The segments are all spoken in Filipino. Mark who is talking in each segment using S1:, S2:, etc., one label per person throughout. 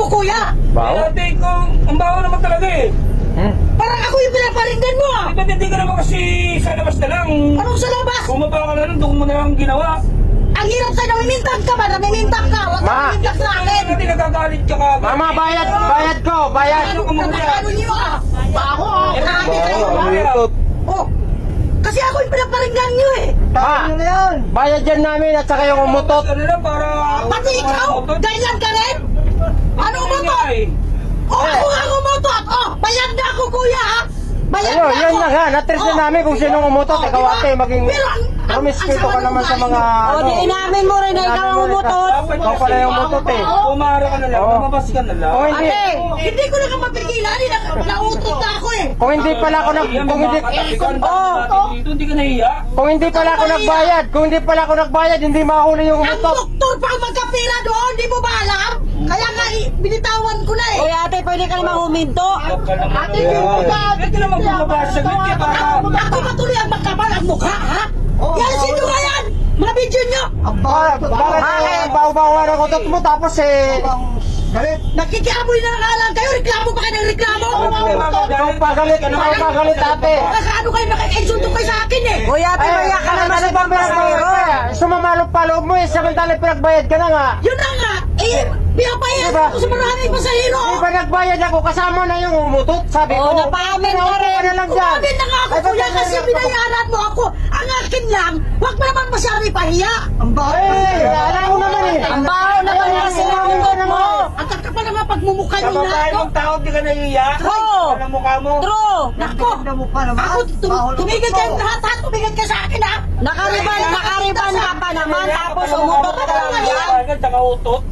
S1: kuya.
S2: Baho?
S3: Ate ko, ang baho naman talaga eh.
S1: Parang ako yung pinaparinggan mo ah.
S3: Ba't hindi ka naman kasi sa labas na lang?
S1: Anong sa labas?
S3: Bumaba ka na lang, doon mo na lang ginawa.
S1: Ang hirap sa'yo, namimintag ka ba? Namimintag ka. Huwag ka
S2: Ma.
S1: namimintag sa akin.
S3: Hindi nagagalit ka ka.
S2: Mama, bayad ko, bayad.
S3: Ano ka muna?
S1: Ano niyo ah? Baho ah. Grabe kayo.
S2: Umutot.
S1: Oh. Kasi ako yung pinaparinggan niyo eh.
S2: Ma, bayad yan namin at saka yung umutot.
S3: Ano lang para...
S1: Pati ikaw, ganyan ka rin? Ano umutot? Oh, ako nga umutot. Oh, bayad na ako kuya ha. Bayad
S2: Ayun,
S1: na
S2: yan
S1: ako.
S2: na nga, natres na namin kung sinong umutot.
S1: Oh,
S2: Ikaw
S1: diba?
S2: ate, maging
S1: Pero
S2: promiscuito ka naman sa mga
S1: O, di inamin mo rin na ikaw ang umutot.
S2: Ikaw pala yung umutot eh.
S3: Pumara ka na lang,
S2: Oo.
S3: lumabas ka na lang.
S2: Kung hindi,
S1: Ate, hindi ko na ka mapigilan. Nautot na ako eh.
S2: kung hindi pala ako
S3: Hindi ka nahiya.
S2: kung hindi pala ako nagbayad, hindi mahuli yung
S1: Ang
S2: umutot.
S1: doktor pa ang magkapira doon, di mo ba alam? Kaya nga, binitawan ko na eh.
S4: Uy, ate, pwede ka naman huminto.
S1: Ate, hindi mo ba?
S3: Bakit ka naman bumaba sa glit ka para...
S1: Ako patuloy ang magkabal ang mukha, ha? Yan, sino nga yan? Mga video nyo.
S2: Bakit baho-baho ng utot mo tapos eh...
S1: Nakikiamoy na nga lang kayo, reklamo pa kayo ng reklamo.
S2: Ikaw pagalit ate.
S1: Ano kayo nakikainsulto kayo sa akin eh.
S4: Uy, ate, maya ka naman sa pampasero.
S2: Sumamalok pa loob mo eh, samantalang pinagbayad ka na nga.
S1: Yun na nga, pinapayag
S2: Diba?
S1: ako sa maraming pasahero.
S2: Di ba nagbayad ako, kasama na yung umutot, sabi ko.
S4: Oo, napaamin ka rin.
S2: Ka na lang dyan.
S1: Kumamin na nga ako
S2: Ay,
S1: kuya
S2: ba't
S1: kasi
S2: ganyan?
S1: binayaran mo ako. Ang akin lang, huwag mo naman masyari pahiya. Ang
S2: Eh, alam mo naman eh.
S4: Ang baho naman yung sinunod mo.
S1: Ang kakapal naman pagmumukha nyo na.
S3: Kababae mong tao, di ka nahiya.
S4: True.
S3: Alam mukha mo.
S4: True.
S1: Nako, ako tumigil kayo lahat, tumigil ka sa akin ha.
S4: Nakariban ka pa naman, tapos umutot ka lang yan.
S3: Agad, saka utot.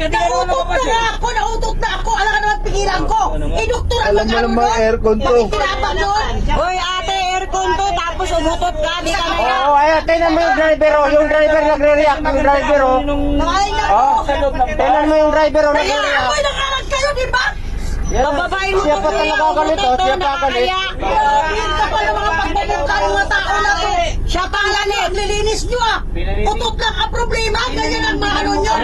S1: Nautot na ako, alam ka naman pigilan ko. Doktor ang
S5: Alam mo naman, aircon to.
S1: Nakikinapan doon.
S4: Uy, ate, aircon to, tapos umutot ka, di ka naya.
S2: Oo, ayan, tingnan mo yung driver oh. Yung driver nagre-react, yung driver oh.
S1: Nakain na
S2: Oh,
S3: Sa loob ng
S2: tingnan mo yung driver oh,
S1: Kaya
S2: nagre-react.
S1: ako'y nakalat kayo, di ba?
S4: Bababain mo
S2: Siya
S4: ko
S2: pa
S4: kuya,
S2: talaga galit oh,
S4: umutot
S2: siya
S4: to,
S2: pa galit.
S4: nakakaya.
S1: Yung kapal ng mga pagmumukha ng mga tao na to.
S4: Siya pa
S1: Ang
S4: galit.
S1: naglilinis nyo ah. Utot lang ang problema, ganyan ang mga ano nyo.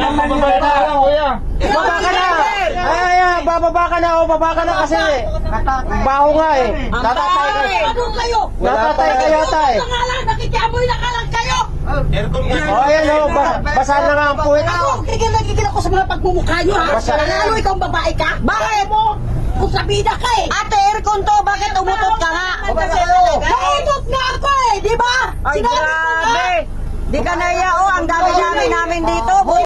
S2: Baba ka na! Ay, bababa ka na oh, baba ka na kasi. Baho nga eh. Tatatay ka.
S1: Ano kayo?
S2: Tatatay kayo tay.
S1: Utot na nga lang, nakikiamoy na ka lang kayo.
S2: Oh, ayan oh, basa na nga ang puwit.
S1: Ako, gigil ako sa mga pagmumukha nyo ha.
S2: Basta-
S1: Lalo ikaw ang babae ka? Bakit mo? Kung sabida ka eh.
S4: Ate, aircon to, bakit umutot ka nga?
S1: Nautot nga ako eh, di ba?
S4: Ay,
S1: Sinabi ko nga.
S4: grabe. Di ka naya, oh, ang dami-dami namin dito.